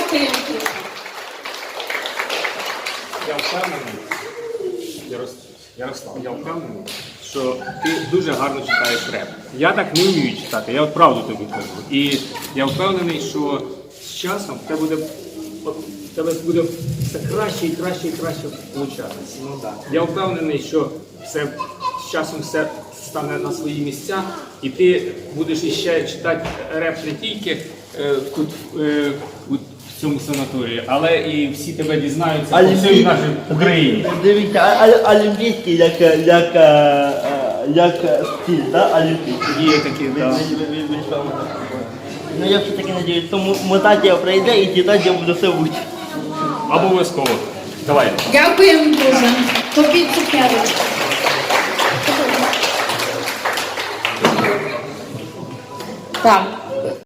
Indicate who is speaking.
Speaker 1: Дякуємо.
Speaker 2: Я впевнений, Ярослав, я впевнений, що ти дуже гарно читаєш реп. Я так не вмію читати, я от правду тобі кажу. І я впевнений, що з часом в тебе буде все краще і краще і краще получатися. Ну, да. Я впевнений, що все, з часом все стане на свої місця, і ти будеш іще читати реп не тільки тут в цьому санаторії, але і всі тебе дізнаються по всій нашій Україні.
Speaker 3: Дивіться, олімпійський як стиль, так? Олімпійський.
Speaker 2: Є такі, так.
Speaker 3: Ну я все-таки надіюсь, що мутація пройде і читати я буду все вчити.
Speaker 2: Обов'язково. Давай.
Speaker 1: Дякуємо дуже. Попіть цукерочку. Так.